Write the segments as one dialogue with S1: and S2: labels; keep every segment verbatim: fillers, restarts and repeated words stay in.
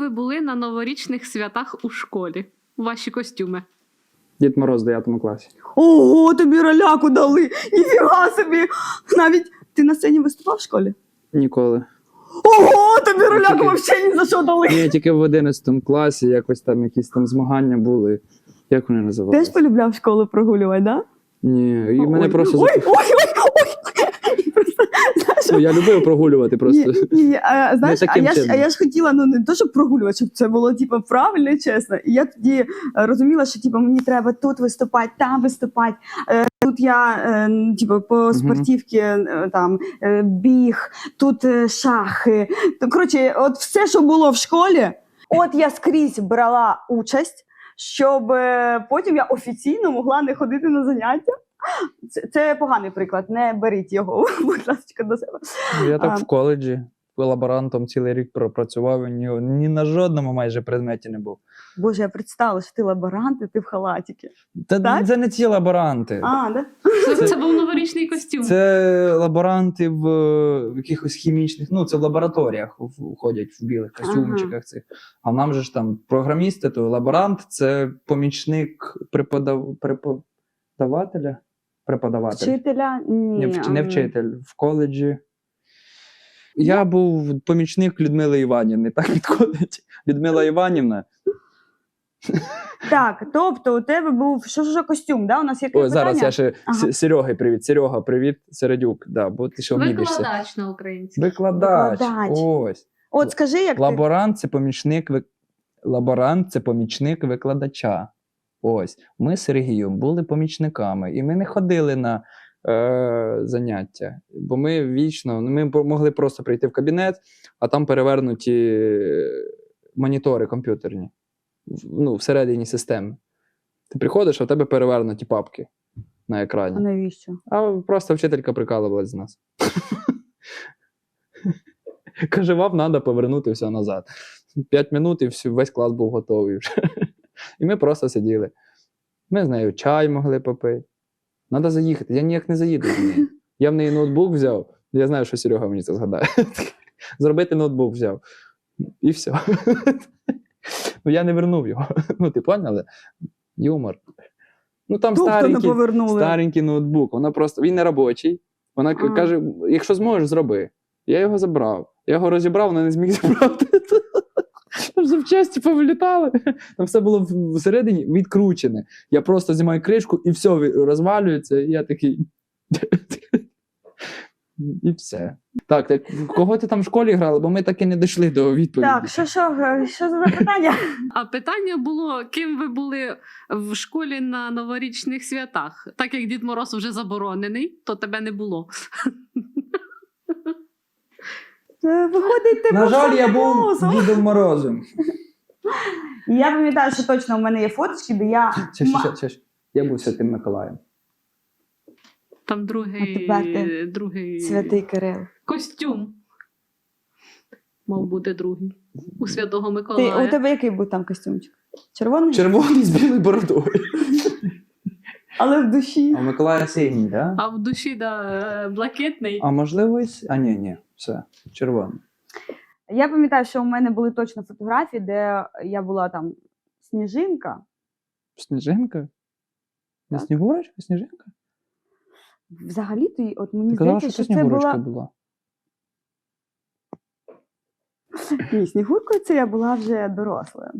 S1: ви були на новорічних святах у школі? Ваші костюми?
S2: Дід Мороз в дев'ятому класі.
S3: Ого, тобі роляку дали! Ніфіга собі! Навіть ти на сцені виступав в школі?
S2: Ніколи.
S3: Ого, тобі роляку
S2: Тільки-
S3: взагалі ні за що дали!
S2: Ні, тільки в одинадцятому класі якось там якісь там змагання були. Як вони
S3: Теж
S2: називалися?
S3: полюбляв школу прогулювати, да?
S2: Ні, і мене
S3: Ой,
S2: просто...
S3: Ой, ой, ой, ой! Просто, знаєш,
S2: Ну, я любив прогулювати просто.
S3: Ні, ні, а, знаєш, а
S2: таким
S3: я, ж, а
S2: чином.
S3: я ж хотіла, ну не то, щоб прогулювати, щоб це було типу, правильно і чесно. І я тоді е, розуміла, що типу, мені треба тут виступати, там виступати. Е, тут я е, типу, по спортивці е, там, е, біг, тут е, шахи. То, коротше, от все, що було в школі, от я скрізь брала участь, щоб е, потім я офіційно могла не ходити на заняття. Це, це поганий приклад, не беріть його, будь ласка, до себе.
S4: Я так
S3: А.
S4: в коледжі лаборантом цілий рік пропрацював, і ні, ні на жодному майже предметі не був.
S3: Боже, я представила, що ти лаборант, і ти в халатіки.
S4: Та
S3: Так?
S4: це не ті лаборанти.
S3: А, да?
S1: Це,
S4: Це-
S1: це був новорічний костюм.
S4: Це лаборанти в, в якихось хімічних, ну це в лабораторіях в- ходять в білих костюмчиках цих. А нам же ж там програмісти, то лаборант це помічник преподав... преподавателя. Преподавателя.
S3: Вчителя? Ні.
S4: Не, вч... не
S3: ам,
S4: вчитель в коледжі. Я був помічник Людмили Іванівни, так підходить. Людмила Іванівна.
S3: Так, тобто у тебе був, що ж за костюм, да? У нас є
S4: Ой, зараз
S3: питання?
S4: я ще
S3: Ага.
S4: С- Сереги привіт. Серега, привіт, Середюк. Да, бо ти що вмієшся.
S1: Викладач на українській.
S4: Викладач.
S3: Викладач.
S4: Ось.
S3: От скажи, як ти...
S4: Лаборант це помічник ви... Лаборант це помічник викладача. Ось. Ми з Сергієм були помічниками, і ми не ходили на е... заняття. Бо ми вічно, ну, ми по- могли просто прийти в кабінет, а там перевернуті монітори комп'ютерні. В- Ну, всередині системи. Ти приходиш, а в тебе перевернуті папки на
S3: А
S4: екрані.
S3: навіщо?
S4: А просто вчителька прикалувалась з нас. Каже, вам треба повернути все назад. П'ять минут і всю- весь клас був готовий вже. І ми просто сиділи. Ми з нею чай могли попити. Треба заїхати. Я ніяк не заїду з нею. Я в неї ноутбук взяв. Я знаю, що Серега мені це згадає. Зробити ноутбук взяв. І все. Ну, я не вернув його. Ну, ти поняли? Юмор. Ну, там
S3: Тобто не
S4: старенький,
S3: повернули.
S4: старенький ноутбук. Вона просто, він не робочий. Вона к-
S3: А.
S4: каже, якщо зможеш, зроби. Я його забрав. Я його розібрав, вона не зміг забрати. Там запчасті повилітали. Там все було в- всередині відкручене. Я просто знімаю кришку і все ві- розвалюється. І я такий. І все. Так, так, кого ти там в школі грала? Бо ми так і не дійшли до відповіді.
S3: Так, що, що, е, що за запитання?
S1: А питання було, ким ви були в школі на новорічних святах? Так як Дід Мороз вже заборонений, то тебе не було.
S3: Е, Виходить, ти
S4: На
S3: був
S4: жаль, я
S3: Санта
S4: був
S3: Клаусом.
S4: Дідом Морозом.
S3: Я пам'ятаю, що точно у мене є фоточки, де я...
S4: Ще, ще, ще, ще, ще. Я був Святим Миколаєм.
S1: Там другий,
S3: А тепер ти
S1: другий
S3: Святий Кирил.
S1: костюм. Мав бути другий. У Святого
S3: Ти,
S1: Миколая.
S3: у тебе який був там костюмчик? Червоний?
S4: Червоний з білою бородою.
S3: Але в душі.
S4: А у Миколая синій, так? Да?
S1: А в душі да, е, блакитний.
S4: А можливо, і с- А, ні, ні, все, червоний.
S3: Я пам'ятаю, що у мене були точно фотографії, де я була там сніжинка.
S4: Сніжинка? Не
S3: Так.
S4: Снігурочка, Сніжинка?
S3: Взагалі-то, й- от мені
S4: Ти казала,
S3: здається,
S4: що це
S3: що це
S4: Снігурочка
S3: була...
S4: була.
S3: Ні, снігуркою це я була вже дорослою.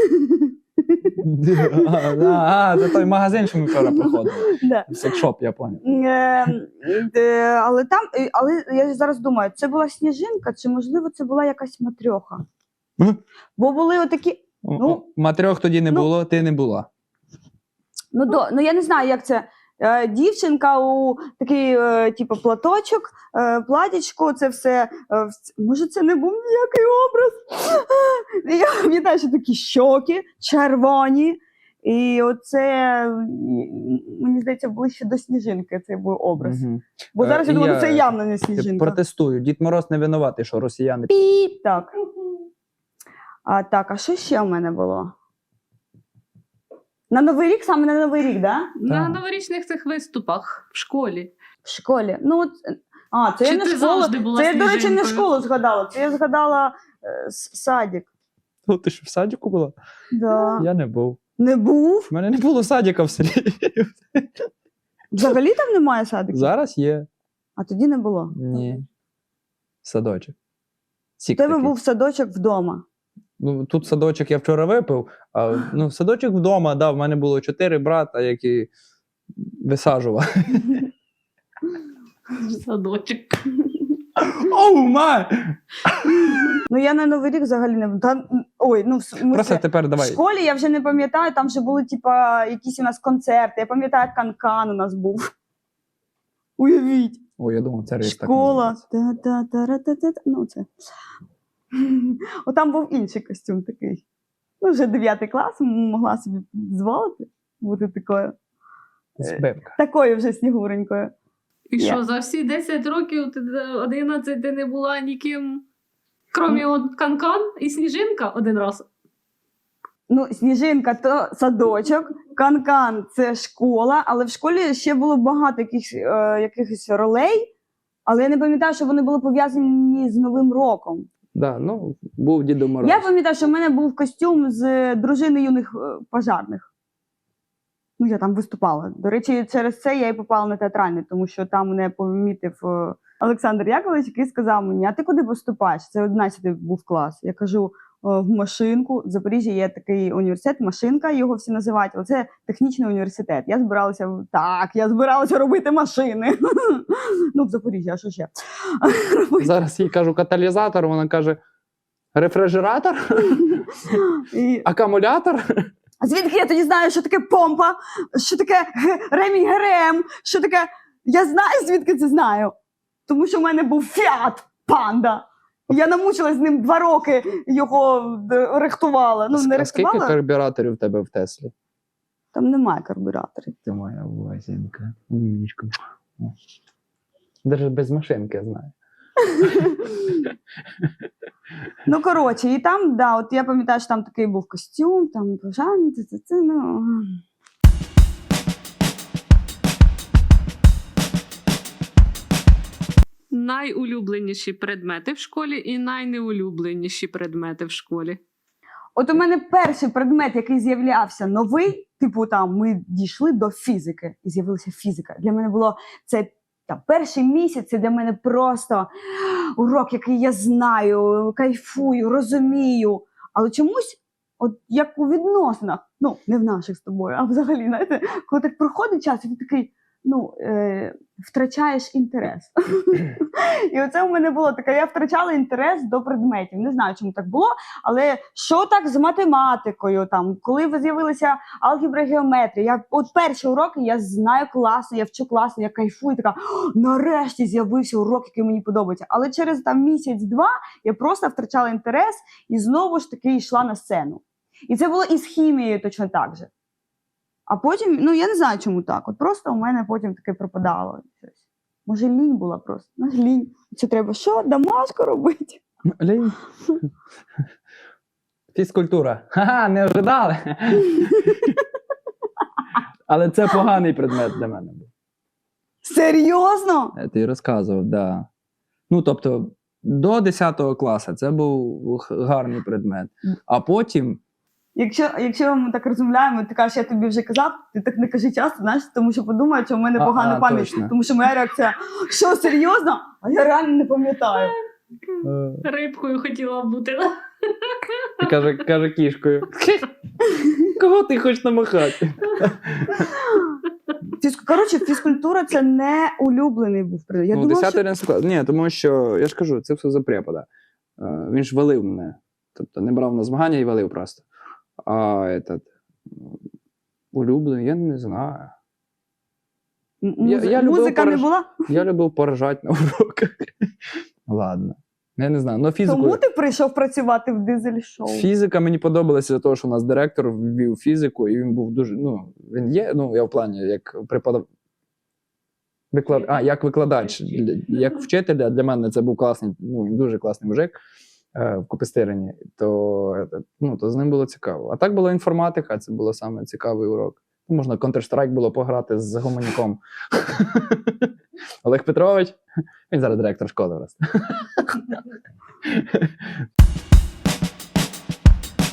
S4: А, а, це той магазин, що ми вчора проходили.
S3: Да.
S4: Секшоп, я поняв.
S3: Е, де- Але там, е, але я зараз думаю, це була сніжинка, чи можливо це була якась матрьоха?
S4: М?
S3: Бо були отакі. Ну,
S4: Матрьох тоді не
S3: ну,
S4: було, ти не була.
S3: Ну, до, ну я не знаю, як це. Е, дівчинка у такий, е, типу, платочок, е, платічко, це все. Е, в- може, це не був ніякий образ. Я пам'ятаю, що такі щоки червоні. І оце, м, мені здається, ближче до сніжинки цей був образ.
S4: Мгм.
S3: Бо зараз
S4: Е,
S3: я думаю,
S4: я-
S3: ну, це явно не
S4: Я
S3: сніжинка.
S4: протестую. Дід Мороз не винуватий, що росіяни.
S3: Піп, так. А, так, а що ще в мене було? На Новий рік, саме на Новий рік, да?
S1: На
S4: Так.
S1: новорічних цих виступах в школі.
S3: В школі. Ну, от, а, це
S1: Чи
S3: я не
S1: ти
S3: школу.
S1: завжди була
S3: Це я, до речі, не
S1: сніжинкою?
S3: школу згадала. Це я згадала е, с- садик.
S4: Ну, ти що, в садіку була?
S3: Да.
S4: Я не був.
S3: Не був?
S4: У мене не було садіка в селі.
S3: Взагалі там немає садиків?
S4: Зараз є.
S3: А тоді не було?
S4: Ні. Садочок.
S3: У
S4: Сік
S3: тебе
S4: такий.
S3: був садочок вдома.
S4: Ну, тут садочок я вчора випив, а ну, садочок вдома, да, в мене було чотири брата, які висаджували.
S1: Садочок.
S4: Оу, май!
S3: Ну я на Новий рік взагалі не та, ой, ну в смысле,
S4: Просто тепер
S3: в
S4: давай.
S3: школі я вже не пам'ятаю, там вже були типа якісь у нас концерти. Я пам'ятаю, канкан у нас був. Уявіть,
S4: О, я думав, це рейс так
S3: школа.
S4: називається.
S3: Та-та-та-ра-та-та-та. Ну це. О, там був інший костюм такий. Ну, вже дев'ятий клас, могла собі дозволити бути такою.
S4: Збивка.
S3: Такою вже снігуренькою.
S1: І
S3: Я.
S1: що, за всі десять років, ти одинадцять ти не була ніким, крім от Канкан і Сніжинка один раз?
S3: Ну, сніжинка то садочок, канкан це школа, але в школі ще було багато якихось, е, якихось ролей, але я не пам'ятаю, що вони були пов'язані з Новим роком.
S4: Да, ну, був Дідо Мороз.
S3: Я пам'ятаю, що в мене був костюм з дружини юних е, пожарних. Ну, я там виступала. До речі, через це я і попала на театральний, тому що там мене помітив е, Олександр Яковлевич, який сказав мені: а ти куди поступаєш? Це одинадцятий був клас. Я кажу: в Машинку. В Запоріжжі є такий університет, Машинка, його всі називають, але це технічний університет. Я збиралася, так, я збиралася робити машини. Ну, в Запоріжжі, а що ще?
S4: Зараз їй кажу каталізатор, вона каже рефрижератор,
S3: І...
S4: акумулятор.
S3: А звідки я тоді знаю, що таке помпа, що таке ремінь ГРМ, що таке... Я знаю, звідки це знаю. Тому що в мене був Фіат Панда. Я намучилась з ним два роки, його е, рихтувала. Ну, не
S4: А скільки
S3: рихтувала.
S4: карбюраторів в тебе в Теслі?
S3: Там немає карбюраторів.
S4: Ти моя лазінка, умнічка. Навіть без машинки, я знаю.
S3: Ну, коротше, і там, да, от я пам'ятаю, що там такий був костюм, там пожарний, це, це, це, ну...
S1: Найулюбленіші предмети в школі і найнеулюбленіші предмети в школі.
S3: От у мене перший предмет, який з'являвся новий, типу там ми дійшли до фізики, і з'явилася фізика. Для мене було це там, перший місяць, це для мене просто урок, який я знаю, кайфую, розумію. Але чомусь, от як у відносинах, ну, не в наших з тобою, а взагалі, знаєте, коли так проходить час, і ти такий, ну, е, втрачаєш інтерес. І оце у мене було таке, я втрачала інтерес до предметів. Не знаю, чому так було, але що так з математикою, там, коли з'явилися алгебра, геометрія, я, от перші уроки я знаю класно, я вчу класно, я кайфую, така, нарешті з'явився урок, який мені подобається. Але через там місяць-два я просто втрачала інтерес і знову ж таки йшла на сцену. І це було і з хімією точно так же. А потім, ну я не знаю, чому так. От просто у мене потім таке пропадало щось. Може, лінь була просто. Ну, лінь. Це треба що? Домашку робити?
S4: Лінь. Фізкультура. Ха-ха, не ожидали. Але це поганий предмет для мене був.
S3: Серйозно?
S4: Я тобі розказував, да. Ну, тобто, до десятого класу це був гарний предмет. А потім.
S3: Якщо, якщо ми так розмовляємо, ти кажеш, я тобі вже казав, ти так не кажи часто, знаєш, тому що подумають, що в мене
S4: А,
S3: погана
S4: а,
S3: пам'ять.
S4: точно.
S3: Тому що моя реакція, що, серйозно? А я реально не пам'ятаю.
S4: Е,
S1: Рибкою хотіла бути.
S4: І каже, каже кішкою. Кого ти хочеш намахати?
S3: Фіз... Коротше, фізкультура – це не улюблений був предмет. Я
S4: Ну,
S3: думала,
S4: десятий
S3: що...
S4: одинадцятий клас. Ні, тому що, я ж кажу, це все за препода. Е, Він ж валив мене. Тобто не брав на змагання і валив просто. А этот, улюблений, я не знаю.
S3: М-
S4: Я-
S3: музи-
S4: я любив
S3: Музика не
S4: пораж-
S3: була?
S4: Я любив поражати на уроках. Ладно. Я не знаю. Но фізику,
S3: Тому ти прийшов працювати в дизель-шоу?
S4: фізика мені подобалася за того, що у нас директор ввів фізику, і він був дуже. Ну, він є, ну, я в плані, як преподав... Виклад... А, як викладач, Для- як вчителя, для мене це був класний, ну, він дуже класний мужик е, в Копистерині, то, е, ну, то з ним було цікаво. А так була інформатика, це було саме цікавий урок. Ну, можна Counter-Strike було пограти з гуманіком. Олег Петрович, він зараз директор школи. Раз.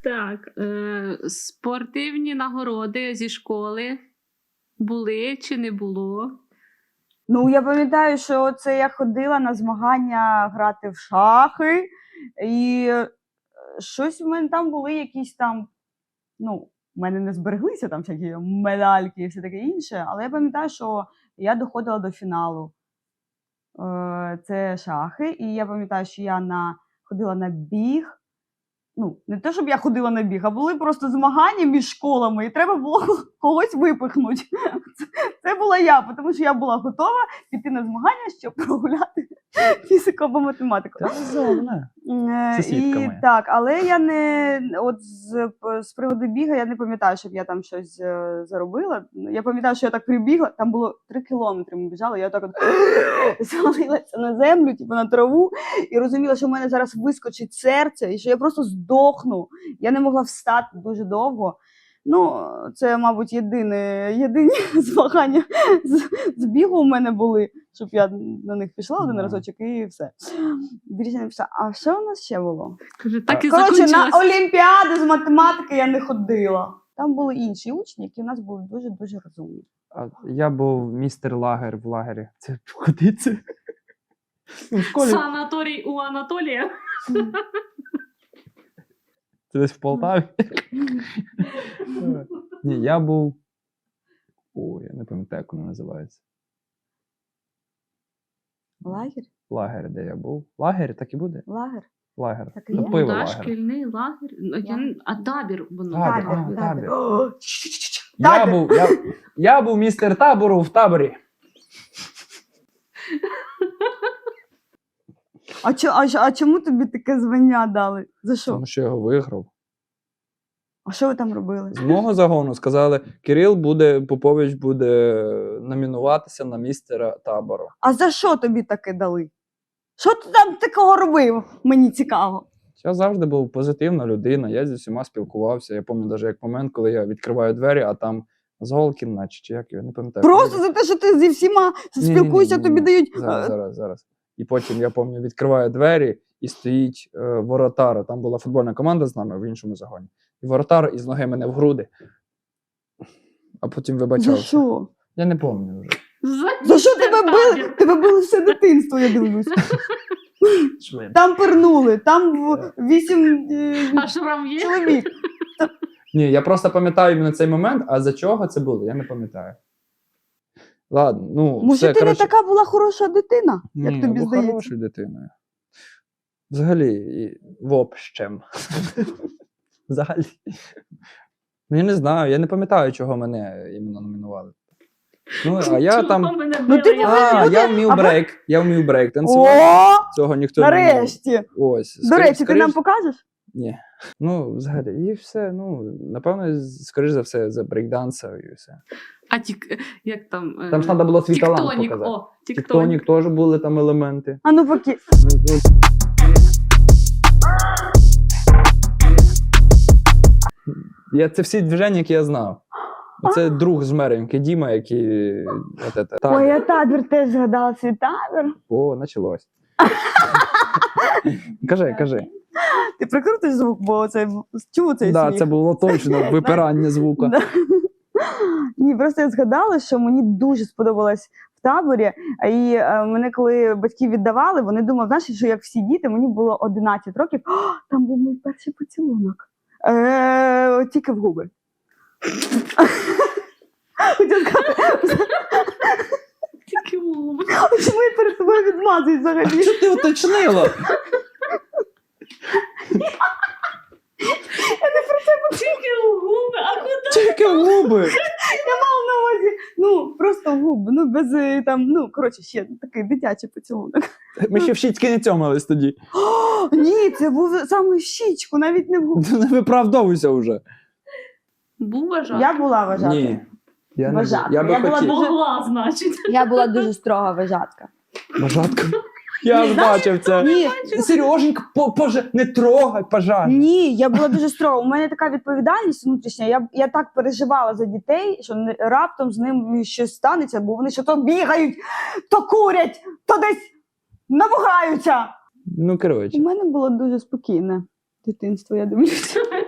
S1: Так, е, спортивні нагороди зі школи були чи не було?
S3: Ну, я пам'ятаю, що це я ходила на змагання грати в шахи, і е, щось в мене там були якісь там, ну, в мене не збереглися там всякі медальки і все таке інше, але я пам'ятаю, що я доходила до фіналу. Е, Це шахи, і я пам'ятаю, що я на, ходила на біг. Ну, не те, щоб я ходила на біг, а були просто змагання між школами, і треба було когось випихнути. Це, це була я, тому що я була готова піти на змагання, щоб прогуляти фізику або математику.
S4: Це розумно.
S3: Е,
S4: Сусідка
S3: І
S4: моя.
S3: так, але я не от з, з приводу біга я не пам'ятаю, щоб я там щось е, заробила. Я пам'ятаю, що я так прибігла, там було три кілометри ми біжали, я так от звалилася на землю, типу на траву, і розуміла, що в мене зараз вискочить серце, і що я просто здохну. Я не могла встати дуже довго. Ну, це, мабуть, єдине, єдині змагання з, з бігу у мене були, щоб я на них пішла один
S4: Ага.
S3: разочок і все. Більше не пішла. А що у нас ще було?
S1: Каже, так і
S3: Коротше, на
S1: закінчилось.
S3: олімпіади з математики я не ходила. Там були інші учні, які у нас були дуже-дуже розумні.
S4: А я був містер лагер в лагері. Це куди це? Ну, в школі.
S1: Санаторій у Анатолія.
S4: Це десь в Полтаві. Ні, я був. Ой, я не пам'ятаю, як воно називається.
S3: Лагер?
S4: Лагер, де я був. Лагер, так і буде?
S3: Лагер?
S4: Лагер.
S3: Так і
S4: Ну,
S3: є?
S4: пиво
S1: Да,
S4: лагер.
S1: шкільний лагер. Ну, я не- А табір воно.
S4: Табір,
S1: так.
S4: а, табір.
S3: О, чш-чш-чш.
S4: Я
S3: Табір.
S4: був, я, я був містер табору в таборі.
S3: А, чо, а, чо- а чому тобі таке звання дали? За що?
S4: Тому що я його виграв.
S3: А що ви там робили?
S4: З мого загону сказали, Кирил буде, Попович буде номінуватися на містера табору.
S3: А за що тобі таке дали? Що ти там такого робив? Мені цікаво.
S4: Я завжди був позитивна людина, я зі всіма спілкувався. Я пам'ятаю навіть як момент, коли я відкриваю двері, а там Золкін, наче, чи як його, не пам'ятаю.
S3: Просто за те, що ти зі всіма
S4: Ні-ні-ні,
S3: спілкуєшся, тобі
S4: ні-ні.
S3: дають.
S4: Зараз,
S3: е,
S4: зараз, зараз. І потім, я пам'ятаю, відкриваю двері, і стоїть е, воротар. Там була футбольна команда з нами в іншому загоні. І воротар із ноги мене в груди. А потім
S3: За
S4: вибачався.
S3: що?
S4: Я не пам'ятаю вже.
S3: За що
S1: містер
S3: тебе били?
S1: табір.
S3: Тебе били все дитинство, я дивлюсь. Там пернули, там в- вісім е,
S1: А шрам є?
S3: чоловік.
S4: Ні, я просто пам'ятаю іменно цей момент, а за чого це було, я не пам'ятаю. Ладно, ну,
S3: Може,
S4: все,
S3: ти
S4: коротше.
S3: не така була хороша дитина, як
S4: Ні,
S3: тобі
S4: я був
S3: здається?
S4: хорошою дитиною. Взагалі, і в общем. Взагалі. Ну, я не знаю, я не пам'ятаю, чого мене іменно номінували. Ну, а я
S1: Чого
S4: там.
S1: мене
S3: Ну,
S1: били?
S3: ти
S1: Я
S3: повинен
S4: А,
S3: бути-
S4: я вмів
S3: або-
S4: брейк. Я вмів брейк танцювати.
S3: О,
S4: Цього ніхто не вмів.
S3: нарешті.
S4: Ось.
S3: До
S4: скоріш-
S3: речі, ти
S4: скоріш-
S3: нам покажеш?
S4: Ні. Ну, взагалі, і все. Ну, напевно, з- скоріш за все, за брейкданса і все.
S1: А тік, як там? е,
S4: Там ж треба було свій талант
S1: Тіктонік,
S4: показати.
S1: о, тіктонік.
S4: Тіктонік теж були там елементи.
S3: А ну поки.
S4: Ну, ну, Я, це всі движення, які я знав. Оце друг з Мереньки, Діма, який. От це, так.
S3: Ой, я табір теж згадала свій табір.
S4: О, почалось. кажи, кажи.
S3: Ти прикрутиш звук, бо це чув цей
S4: Да,
S3: сміх?
S4: це було точно випирання звука.
S3: Да. Ні, просто я згадала, що мені дуже сподобалось в таборі. І е, мене, коли батьки віддавали, вони думали, знаєш, що як всі діти, мені було одинадцять років, «О, там був мій перший поцілунок. Е, тільки в губи. Хотіла сказати,
S1: Тільки губи.
S3: чому я перед тобою відмазуюсь взагалі?
S4: Що ти уточнила?
S1: Тільки губи, а куди?
S4: Тільки губи.
S3: Я мала на увазі, ну, просто в губи, ну, без е, там, ну, коротше, ще такий дитячий поцілунок.
S4: Ми ще в щічки не цьомались тоді.
S3: О, ні, це був саме в щічку, навіть не в губи.
S4: Не виправдовуйся вже.
S1: Був вважати?
S3: Я була вважати.
S4: Ні. Я, не,
S3: Вважати.
S4: я би
S3: Я була
S4: хотів.
S3: дуже-
S1: Могла, значить.
S3: Я була дуже строга вважатка.
S4: Бажатка. Я ж бачив це.
S3: Ні,
S4: Сереженька, по, поже, не трогай, пожалуйста.
S3: ні, я була дуже строга. У мене така відповідальність внутрішня. Я, я так переживала за дітей, що не- раптом з ним щось станеться, бо вони що то бігають, то курять, то десь набухаються.
S4: Ну, коротше.
S3: У мене було дуже спокійне дитинство, я дивлюся.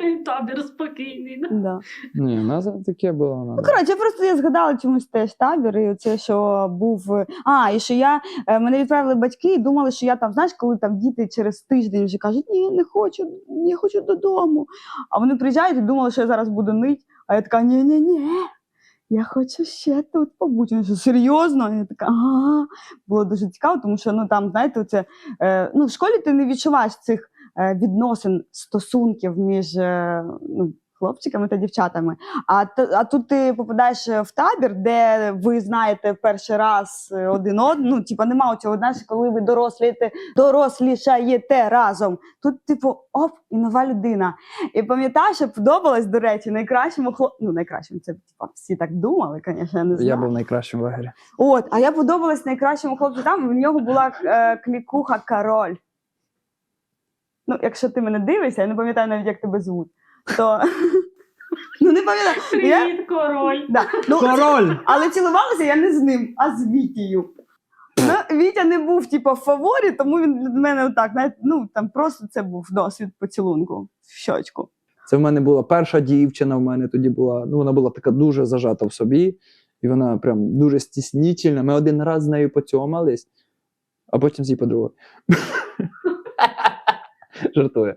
S1: Табір спокійний. да.
S3: Да.
S4: Ні, у нас таке було.
S3: Ну,
S4: Надо.
S3: коротше, просто я згадала чомусь теж табір, і це, що був. А, і що я е, мене відправили батьки і думали, що я там, знаєш, коли там діти через тиждень вже кажуть, ні, не хочу, я хочу додому. А вони приїжджають і думали, що я зараз буду нить. А я така, ні-ні-ні, я хочу ще тут побути. Вони що, серйозно? Я така, ага. Було дуже цікаво, тому що ну там, знаєте, це, е, ну, в школі ти не відчуваєш цих е, відносин, стосунків між е, ну, хлопчиками та дівчатами. А, т- а тут ти попадаєш в табір, де ви знаєте перший раз один одного. Ну, типа, нема цього, знаєш, коли ви дорослієте, дорослішаєте разом. Тут, типу, оп, і нова людина. І пам'ятаю, що подобалось, до речі, найкращому хлопцю. Ну, найкращому, це типа, всі так думали, звісно, я не знаю.
S4: Я був найкращим в лагері.
S3: От, а я подобалась найкращому хлопцю там, в нього була е, клікуха Король. Ну, якщо ти мене дивишся, я не пам'ятаю навіть, як тебе звуть, то. Ну, не пам'ятаю. Я...
S1: Привіт, король.
S3: Да. Ну,
S4: Король!
S3: але цілувалася я не з ним, а з Вітєю. Ну, Вітя не був, типу, в фаворі, тому він для мене отак, навіть, ну, там просто це був досвід поцілунку в щочку.
S4: Це в мене була перша дівчина, в мене тоді була, ну вона була така дуже зажата в собі, і вона прям дуже стіснительна. Ми один раз з нею поцьомались, а потім з її подругою. Жартую.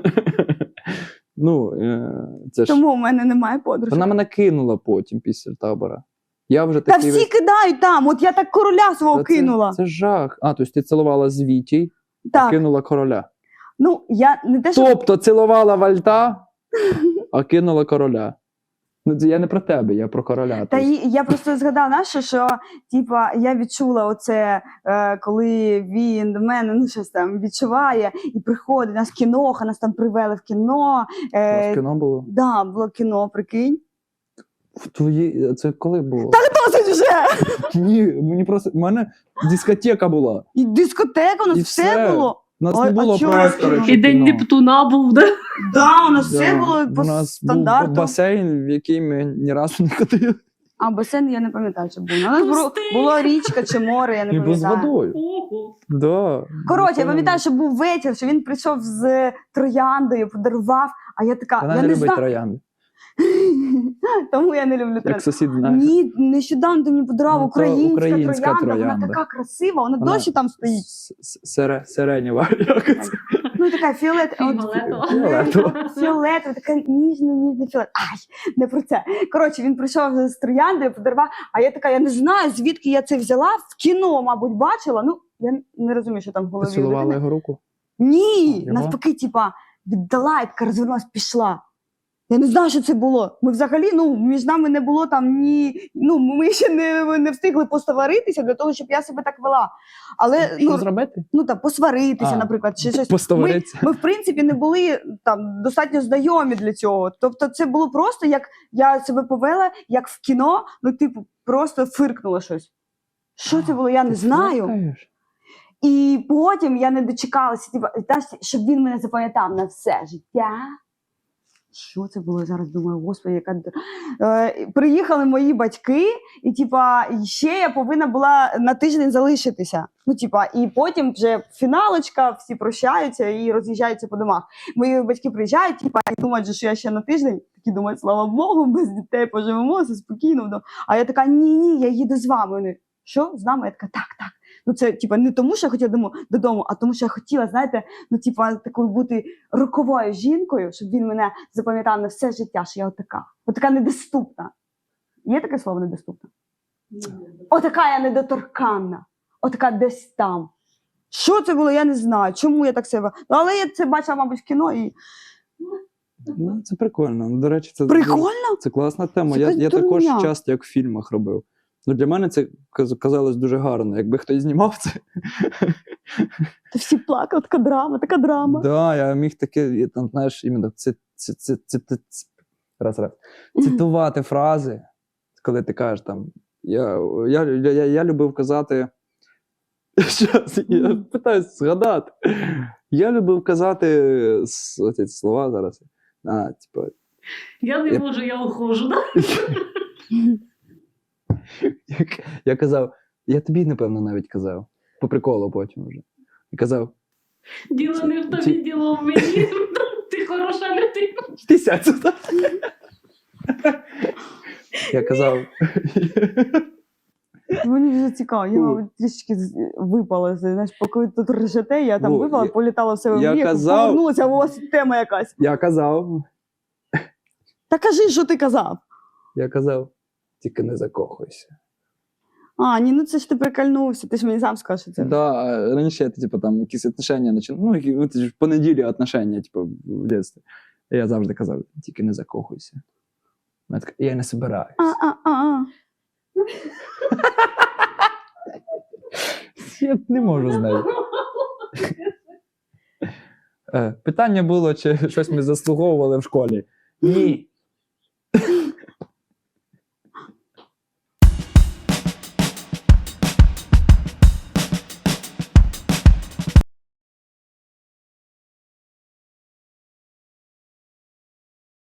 S4: Ну, е, це ж...
S3: Тому в мене немає подружки.
S4: Вона мене кинула потім після табора. Я вже
S3: Та
S4: такий...
S3: всі
S4: весь-
S3: кидають там, от я так короля свого
S4: Та це-
S3: кинула.
S4: Це жах. А, тобто ти цілувала з Вітій,
S3: Так,
S4: кинула короля.
S3: ну, я не те, що...
S4: Тобто цілувала вальта, а кинула короля. Ну, це я не про тебе, я про короля.
S3: Та
S4: Тобто,
S3: й, я просто згадала, нащо, що типа, я відчула оце, е, коли він до мене ну, щось там відчуває і приходить, нас кіноха, нас там привели в кіно.
S4: у вас
S3: Е,
S4: кіно було?
S3: да, було кіно, прикинь.
S4: В твої... Це коли було?
S3: Досить вже!
S4: Ні, мені просто... У мене дискотека була.
S3: І дискотека, у нас
S4: І
S3: все,
S4: все.
S3: було.
S4: У нас
S3: Ой,
S4: не
S3: а
S4: було
S3: чого
S4: простору.
S3: кіно?
S4: чи
S1: І день
S4: кіно.
S1: Нептуна був, да?
S3: Да, у нас все
S4: Да.
S3: було по
S4: У нас
S3: стандарту.
S4: був басейн, в який ми ні разу не ходили.
S3: А басейн я не пам'ятаю, що був. У нас було,
S1: Пустий.
S3: було річка чи море, я не
S4: І був з
S3: пам'ятаю.
S4: водою.
S1: Ого.
S4: Да.
S3: Коротше, я пам'ятаю, що був вечір, що він прийшов з трояндою, подарував, а я така,
S4: Вона
S3: я
S4: не
S3: не
S4: любить
S3: знаю.
S4: троянди.
S3: Тому я не люблю троянди.
S4: Як сусід знає.
S3: Ні, нещодавно ти мені подарував
S4: Ну, то
S3: українська,
S4: українська
S3: троянда,
S4: троянда.
S3: вона така красива, вона,
S4: Вона
S3: досі там стоїть.
S4: С- с- Сере, сиренєва. Як це?
S3: Ну така фіолет... от-
S1: Фіолетова.
S4: Фіолетова.
S3: Фіолетова, така ніжна, ніжна фіолет. Ай, не про це. Коротше, він прийшов з трояндою, подарував, а я така, я не знаю, звідки я це взяла, в кіно, мабуть, бачила, ну, я не розумію, що там в голові. у
S4: Поцілувала
S3: людини.
S4: його руку.
S3: Ні,
S4: Його?
S3: навпаки, типа, віддала, і така розвернулась, пішла. Я не знаю, що це було. Ми взагалі, ну, між нами не було там ні. Ну, ми ще не, не встигли посваритися для того, щоб я себе так вела. Але
S4: Що
S3: ну,
S4: зробити?
S3: ну там посваритися,
S4: А,
S3: наприклад, чи щось. Ми,
S4: Поставитися.
S3: ми, в принципі, не були там достатньо знайомі для цього. Тобто, це було просто як я себе повела, як в кіно, ну, типу, просто фиркнула щось. Що це було, я не знаю. І потім я не дочекалася, типу, знаєш, щоб він мене запам'ятав на все життя. Що це було? Я зараз думаю, господи, яка д- е, приїхали мої батьки, і типа і ще я повинна була на тиждень залишитися. Ну, типа, і потім вже фіналочка, всі прощаються і роз'їжджаються по домах. Мої батьки приїжджають, типа, і думають, що я ще на тиждень. Такі думають, слава Богу, без дітей поживемо, все спокійно. вдома. А я така, ні, ні, я їду з вами. Вони, що з нами? Я така, так, так. Ну, це типа не тому, що я хотіла дому- додому, а тому, що я хотіла, знаєте, ну, типа, такою бути роковою жінкою, щоб він мене запам'ятав на все життя, що я отака. Отака недоступна. Є таке слово недоступна? Отака я недоторканна. Отака десь там. Що це було, я не знаю. Чому я так себе. Ну, але я це бачила, мабуть, в кіно і.
S4: Ну, це прикольно. Ну, До речі, це,
S3: Прикольно?
S4: це класна тема.
S3: Це
S4: Я,
S3: якась
S4: я також
S3: дурня.
S4: часто як в фільмах робив. Ну, для мене це каз- казалось дуже гарно. Якби хтось знімав це,
S3: Та всі плакали, така драма, така драма.
S4: да, я міг таке, я там, знаєш, іменно це, це, це, це, це, це, раз, раз, цитувати фрази, коли ти кажеш там. Я, я, я, я, я любив казати. Щас, я питаюсь згадати. Я любив казати с- оці слова зараз. А, типу,
S1: Я не
S4: Я-
S1: можу, я ухожу, да?
S4: я, я казав, я тобі, напевно, навіть казав. По приколу потім вже. І казав,
S1: Діло не в тобі,
S4: Ці-
S1: діло в мені. Ти хороший. хороша людина.
S4: Тисяць. Я казав.
S3: Мені вже цікаво, я
S4: Фу.
S3: мабуть, трішечки з- випала. Знаєш, поки ви тут ржете, я там
S4: Фу,
S3: випала,
S4: я-
S3: політала в себе в
S4: я
S3: віку,
S4: казав-
S3: повернулася, а у вас тема якась.
S4: Я казав.
S3: Та кажи, що ти казав.
S4: Я казав. Тільки не закохуйся.
S3: А, ні, ну це ж ти прикольнувся, ти ж мені сам сказав, що це.
S4: Да, а раніше, типу, там якісь отношення починали. Ну, які, от, ж по неділі отношення, типу, в дитинстві. І я завжди казав, тільки не закохуйся. Вона така, я не собираюсь.
S3: А, а, а, а.
S4: Я не можу з нею. Е, Питання було, чи щось ми заслуговували в школі. Ні.